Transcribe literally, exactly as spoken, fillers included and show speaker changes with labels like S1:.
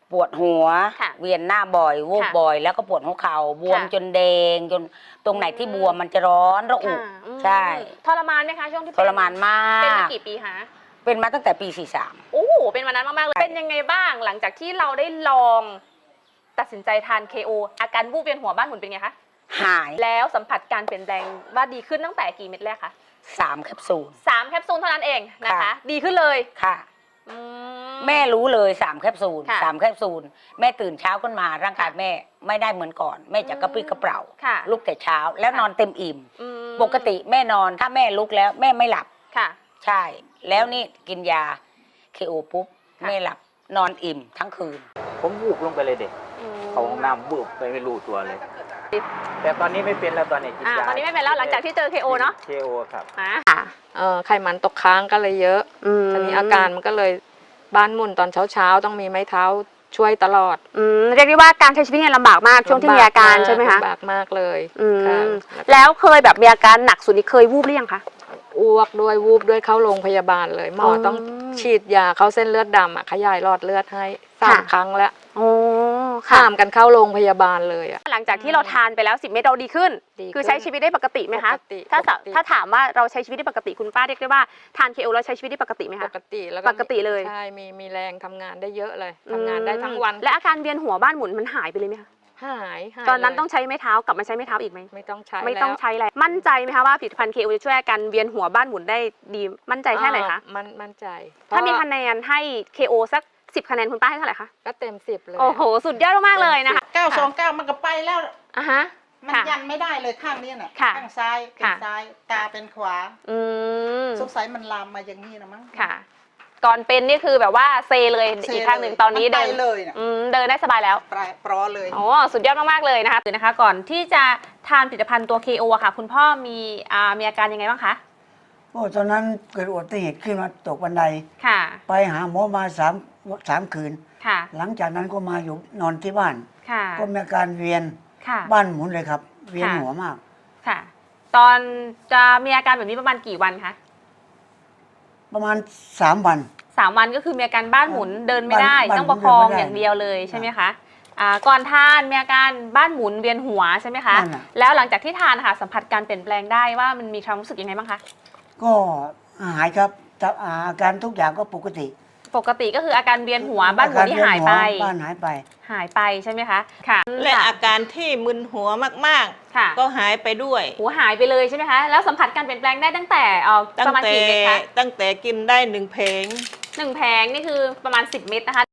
S1: ปวดหัว
S2: ค่ะ
S1: เวียนหน้าบ่อยวูบ
S2: ค่ะ
S1: บ่อย แล้วก็ปวดหัวเข่าบวม
S2: ค่ะ
S1: จนแดงจนตรงไหนที่บวมมันจะร้อนระอุ
S2: ค่ะอืม
S1: ใช่
S2: ทรมานไหมคะช่วงที่
S1: ท
S2: เป็น
S1: รมานมา
S2: เป็นมาก กี่ปีคะ
S1: เป็นมาตั้งแต่ปีสี่สาม
S2: โอ้โหเป็นวันนั้นมากๆเลยเป็นยังไงบ้างหลังจากที่เราได้ลองตัดสินใจทาน เค โอ อาการวูบเวียนหัวบ้านหมุนเป็นไงคะ
S1: หาย
S2: แล้วสัมผัสการเปลี่ยนแปลงว่าดีขึ้นตั้งแต่กี่เม็ดแรกคะ
S1: สามแคปซูล
S2: สามแคปซูลเท่านั้นเองนะคะ
S1: ค่ะ
S2: ดีขึ้นเลย
S1: ค่ะ
S2: อื
S1: แม่รู้เลยสามแคปซูล
S2: ค่ะ
S1: สามแคปซูลแม่ตื่นเช้าขึ้นมาร่างกายแม่ไม่ได้เหมือนก่อน แม่จะกระปรี้กระเปร่า
S2: ค่ะ
S1: ลุกแต่เช้าแล้ว
S2: ค่ะ
S1: นอนเต็มอิ่ม
S2: อืม
S1: ปกติแม่นอนถ้าแม่ลุกแล้วแม่ไม่หลับ
S2: ค่ะ
S1: ใช่ แล้วนี่กินยาเคโอปุ๊บ
S2: ค่ะ
S1: แม่หลับนอนอิ่มทั้งคืน
S3: ผมวูบลงไปเลยเด็ก
S2: อืม
S3: เขาห้องน้ำวูบไปไม่รู้ตัวเลย แต่ตอนนี้ไม่เป็นแล้วตอนนี้กิน
S2: อ่าย
S3: า
S2: ตอนนี้ไม่เป็นแล้วหลังจากที่เจอ เค โอ เนาะ
S3: เคโอครับ
S2: อ่า
S4: เออไขมันตกค้างก็เลยเยอะทีนี้อาการมันก็เลยบ้านหมุนตอนเช้าๆต้องมีไม้เท้าช่วยตลอด
S2: อืมเรียกได้ว่าการใช้ชีวิตเนี่ยลำบากมากช่วงที่มีอาการใช่ไหมคะ
S4: ลำบากมากเลย
S2: อืม
S4: ค่ะ
S2: แล้วเคยแบบมีอาการหนักสุดนี่เคยวูบหรือยังคะ
S4: อ้วกด้วยวูบด้วยเข้าโรงพยาบาลเลยหมออ
S2: ม
S4: ต้องฉีดยาเข้าเส้นเลือดดำอ่ะขยายหลอดเลือดให้สาม
S2: ค่ะ
S4: ครั้งแล้ว
S2: โอ้
S4: ข้ามกันเข้าโรงพยาบาลเลยอ่ะ
S2: หลังจากที่เราทานไปแล้วสิบเม็ดเราดีขึ้น
S4: ดีขึ้น
S2: คือใช้ชีวิตได้ปกติไหมคะ
S4: ปกติ
S2: ถ้าสะ
S4: ปกติ
S2: ถ้าถามว่าเราใช้ชีวิตได้ปกติคุณป้าเรียกได้ว่าทาน เค โอ แล้วใช้ชีวิตได้ปกติไหม
S4: ป
S2: คะ
S4: กติแล้ว
S2: ปกติเลย
S4: ใช่มีมีแรงทำงานได้เยอะเลยทำงานได้ทั้งวัน
S2: และอาการเวียนหัวบ้านหมุนมันหายไปเลยไหมคะ
S4: หายหาย
S2: ตอนนั้น
S4: เลย
S2: ต้องใช้ไม้เท้ากลับมาใช้ไม้เท้าอีกไหม
S4: ไม่ต้องใช้
S2: ไม่ต้อง
S4: แล้ว
S2: ใช้อะไรมั่นใจไหมคะว่าผลิตภัณฑ์ เค โอ จะช่วยอาการเวียนหัวบ้านหมุนได้ดีมั่นใจแค่ไหนคะ
S4: อ่ามันมั่นใจ
S2: ถ้ามี
S4: เพระ
S2: คะแนนให้ เค โอ สักสิบคะแนนคุณป้าให้เท่าไหร่คะ
S4: ก็เต็มสิบเลย
S2: โอ้โหสุดยอดมากๆเลยนะคะ
S5: เก้าสองเก้ามันก็ไปแล้ว
S2: อ่ะฮะ
S5: มัน
S2: ค่ะ
S5: ยันไม่ได้เลยข้างนี้น่ะ
S2: ค่ะ
S5: ข้างซ้ายเป็น
S2: ค่ะ
S5: ซ้ายตาเป็นขวา
S2: อืม
S5: สงสัยมันลามมาอย่างนี้นะมั้ง
S2: ค่ะ ก่อนเป็นนี่คือแบบว่าเซเลย
S5: เซ
S2: อีกข้างหนึ่งตอนนี้
S5: มั
S2: เดิ
S5: ไป
S2: น
S5: เลยน่ะ
S2: อืมเดินได้สบายแล้ว
S5: ปลายปลอเลย
S2: โอ้สุดยอดมากๆเลยนะคะคือนะคะ ก่อนที่จะทานผลิตภัณฑ์ตัว เค โอ อะค่ะ คุณพ่อมีอ่ามีอาการยังไงบ้างคะ
S6: โอ้ตอนนั้นเกิดอุบัติเหตุขึ้นมาตกบันได
S2: ค่ะ
S6: ไปหาหมอมาสามสามคืน
S2: ค่ะ
S6: หลังจากนั้นก็มาอยู่นอนที่บ้าน
S2: ค่ะ
S6: ก็มีอาการเวียน
S2: ค่ะ
S6: บ้านหมุนเลยครับ เวียน
S2: ค่ะ
S6: หัวมาก
S2: ค่ะ ตอนจะมีอาการแบบนี้ประมาณกี่วันคะ
S6: ประมาณสามวัน
S2: สามวันก็คือมีอาการบ้านหมุนเดินไม่ได้
S6: บ้าน
S2: ต้องประคอง
S6: เดินไม่ได้
S2: อย่างเดียวเลยใช่ไหมคะอ่าก่อนทานมีอาการบ้านหมุนเวียนหัวใช่ไหมคะ
S6: นั่นน่ะ
S2: แล้วหลังจากที่ทานค่ะสัมผัสการเปลี่ยนแปลงได้ว่ามันมีความรู้สึกยังไงบ้างคะ
S6: ก็หายครับแต่อาการทุกอย่างก็ปกติ
S2: ปกติก็คืออาการเวียนหัวบ้านหมุนที่หายไป
S6: อการเวีนหัวบ้านหายไป
S2: หายไปใช่ไหมคะค่ะ
S7: และ
S2: ค่
S7: อาการที่มึนหัวมาก
S2: ค่ะ
S7: ๆ ก็หายไปด้วย
S2: หัวหายไปเลยใช่ไหมคะแล้วสัมผัสการเปลี่ยนแปลงได้ตั้งแต่เอ่อ
S7: ตั้
S2: ป
S7: ง
S2: ระมาณ
S7: แต่
S2: กี่เม็ดคะ
S7: ตั้งแต่กินได้หนึ่งเพลง
S2: หนึ่งแผงนี่คือประมาณสิบเม็ดนะคะ